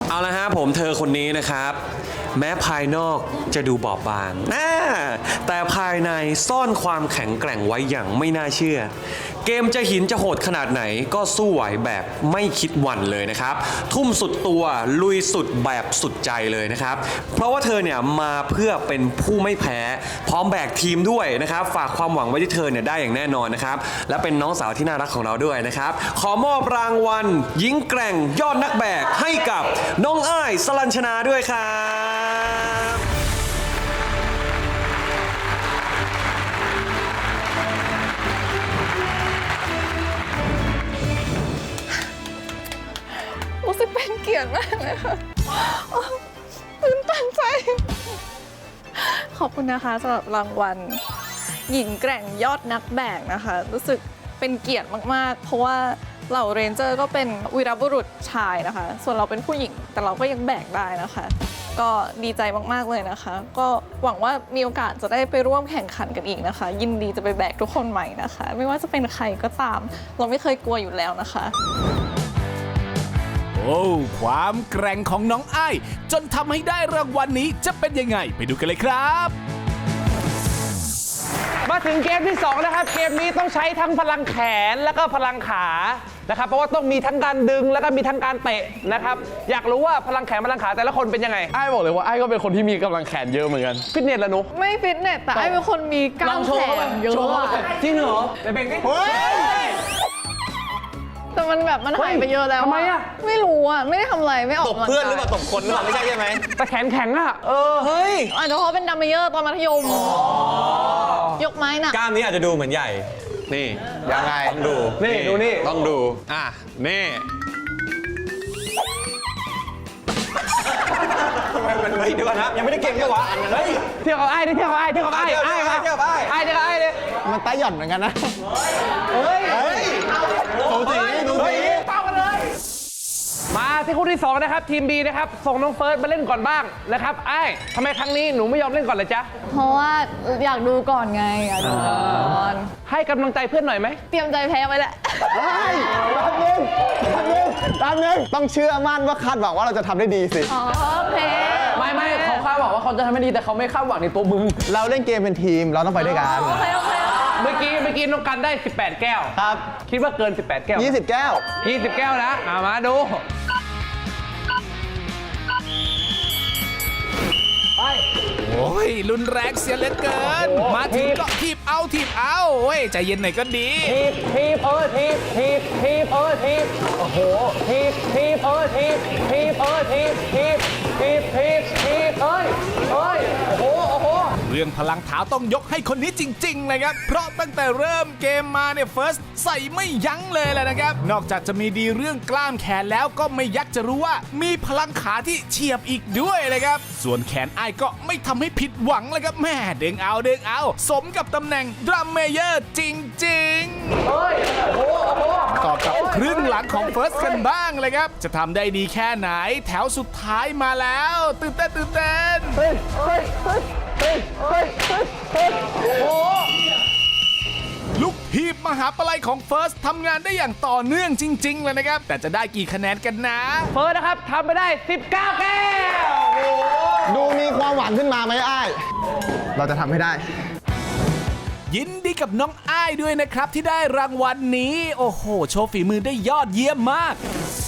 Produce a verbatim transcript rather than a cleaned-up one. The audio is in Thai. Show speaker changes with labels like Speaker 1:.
Speaker 1: เอาละฮะผมเธอคนนี้นะครับแม้ภายนอกจะดูบอบบางแต่ภายในซ่อนความแข็งแกร่งไว้อย่างไม่น่าเชื่อเกมจะหินจะโหดขนาดไหนก็สู้ไหวแบบไม่คิดหวั่นเลยนะครับทุ่มสุดตัวลุยสุดแบบสุดใจเลยนะครับเพราะว่าเธอเนี่ยมาเพื่อเป็นผู้ไม่แพ้พร้อมแบกทีมด้วยนะครับฝากความหวังไว้ที่เธอเนี่ยได้อย่างแน่นอนนะครับและเป็นน้องสาวที่น่ารักของเราด้วยนะครับขอมอบรางวัลหญิงแกร่งยอดนักแบกให้กับน้องอ้ายสลัญชนาด้วยครับ
Speaker 2: รู้สึกเป็นเกียรติมากเลยค่ะตื่นตันใจ ขอบคุณนะคะสำหรับรางวัลหญิงแกร่งยอดนักแบกนะคะรู้สึกเป็นเกียรติมากๆเพราะว่าเหล่าเรนเจอร์ก็เป็นวีรบุรุษชายนะคะส่วนเราเป็นผู้หญิงแต่เราก็ยังแบกได้นะคะก็ดีใจมากๆเลยนะคะก็หวังว่ามีโอกาสจะได้ไปร่วมแข่งขันกันอีกนะคะยินดีจะไปแบกทุกคนใหม่นะคะไม่ว่าจะเป็นใครก็ตามเราไม่เคยกลัวอยู่แล้วนะคะ
Speaker 3: โอ้ความแกร่งของน้องอ้ายจนทำให้ได้รางวัลนี้จะเป็นยังไงไปดูกันเลยครับ
Speaker 4: มาถึงเกมที่สองนะครับเกมนี้ต้องใช้ทั้งพลังแขนแล้วก็พลังขานะครับเพราะว่าต้องมีทั้งการดึงแล้วก็มีทั้งการเตะนะครับอยากรู้ว่าพลังแขนพลังขาแต่ละคนเป็นยังไง
Speaker 5: ไอ้บอกเลยว่าไอ้ก็เป็นคนที่มีกำลังแขนเยอะเหมือนกัน
Speaker 4: ฟิตเนสละหนู
Speaker 2: ไม่ฟิตเนสแต่ไอ้เป็นคนมีกล้ามแขนเยอะอะ
Speaker 4: จริงเหรอไปเบ่งดิ
Speaker 2: แต่มันแบบมันหายไปเยอะแล้ว
Speaker 4: ทำไมอะ
Speaker 2: ไม่รู้อะไม่ได้ทำอะไรไม่ออก
Speaker 5: ตบเพื่อนหรือเปล่าตบคนหรือเปล่าไม่ใช่ใช่ไหม
Speaker 4: แต่แขนแข็งอะเออเฮ้ย
Speaker 2: อาจจะเพราะเป็นดัมเมเยอร์ตอนมัธยมยกไม้หนัก
Speaker 5: กล้ามนี้อาจจะดูเหมือนใหญ่นี่ยังไงต้องดู
Speaker 4: นี่ดูนี่
Speaker 5: ต้องดูอ่ะนี่ทำไมมันไม่ดูนะยังไม่ได้เก่งเลยวะเฮ้ย
Speaker 4: เที่ยวกับไอ้ดิเที่ยวกับไอ้เที่ยวกับไอ้
Speaker 5: เที่ยว
Speaker 4: ไอ้มา
Speaker 5: เที่ยวกับไอ้
Speaker 4: ไอ้เที่ยวกับไอ้ดิ
Speaker 5: มันตาหย่อนเหมือนกันนะ
Speaker 4: เฮ้ย
Speaker 5: เฮ้ยดูสิดูสิ
Speaker 4: เป้ากันเลยมาที่คู่ที่สองนะครับทีม B นะครับส่งน้องเฟิร์สมาเล่นก่อนบ้างนะครับไอ้ทำไมครั้งนี้หนูไม่ยอมเล่นก่อนเลยจ๊ะ
Speaker 2: เพราะว่าอยากดูก่อนไงอยากดูก่อน
Speaker 4: ให้กำลังใจเพื่อนหน่อยไหม
Speaker 2: เตรียมใจแพ้ไว้แหละ
Speaker 5: ตามนึงตามนึงตามนึงต้องเชื่อมั่นว่าคาดหวังว่าเราจะทำได้ดีสิ
Speaker 2: อ๋อโอเค
Speaker 4: ไม่ไม่เขาคาดหวังว่าเขาจะทำให้ดีแต่เขาไม่คาดหวังในตัวมึง
Speaker 5: เราเล่นเกมเป็นทีมเราต้องไปด้วยกัน
Speaker 2: โอเคโอเค
Speaker 4: เมื่อกี้เมื่อกี้น้องกันได้สิบแปดแก้ว
Speaker 5: ครับ
Speaker 4: คิดว่าเกินสิบแปดแก้ว
Speaker 5: ยี่สิบแก้ว
Speaker 4: ยี่สิบแก้วนะอ่ะมาดูไป
Speaker 3: โอ้ยรุนแรงเสียเหลือเกิน มาถึงก็ทีบเอาทีบเอาเว้ยใจเย็นหน่อยก็ดี
Speaker 4: ทีบทีบเออทีบทีบทีบเออทีบโอ้โหทีบทีบเออทีบทีบเออทีบทีบทีบทีบทีบเอ้ยเอ้ยโอ้โหโอ้โห
Speaker 3: เรื่องพลังเท้าต้องยกให้คนนี้จริงๆเลยครับ เพราะตั้งแต่เริ่มเกมมาเนี่ยเฟิร์สใส่ไม่ยั้งเลยแหละนะครับ นอกจากจะมีดีเรื่องกล้ามแขนแล้วก็ไม่ยักจะรู้ว่ามีพลังขาที่เฉียบอีกด้วยเลยครับ ส่วนแขนอ้ายก็ไม่ทำให้ผิดหวังเลยครับแม่เด้งเอาเด้งเอา สมกับตำแหน่งดรัมเมเยอร์จริงๆ
Speaker 4: เฮ้ยโอ้โหโอ้โห
Speaker 3: ต่อกับครึ่งหลังของเฟิร์สกันบ้างเลยครับ จะทำได้ดีแค่ไหนแถวสุดท้ายมาแล้วตื่นเต้นตื่นเต้น
Speaker 4: เฮ้ยเฮ้ยเฮ้ยเฮ้ยเฮ้ยเฮ้ยเฮ้ยโอ้โห
Speaker 3: ลูกทีบมหาปลัยของเฟิร์สทำงานได้อย่างต่อเนื่องจริงๆเลยนะครับ แต่จะได้กี่คะแนนกันนะ
Speaker 4: เฟิร์สนะครับทำไปได้สิบเก้าแก้วโอ้โห
Speaker 5: ดูมีความหวังขึ้นมาไหมไอ้เราจะทำให้ได้
Speaker 3: ยินดีกับน้องอ้ายด้วยนะครับที่ได้รางวัลนี้ โอ้โห โชว์ฝีมือได้ยอดเยี่ยมมาก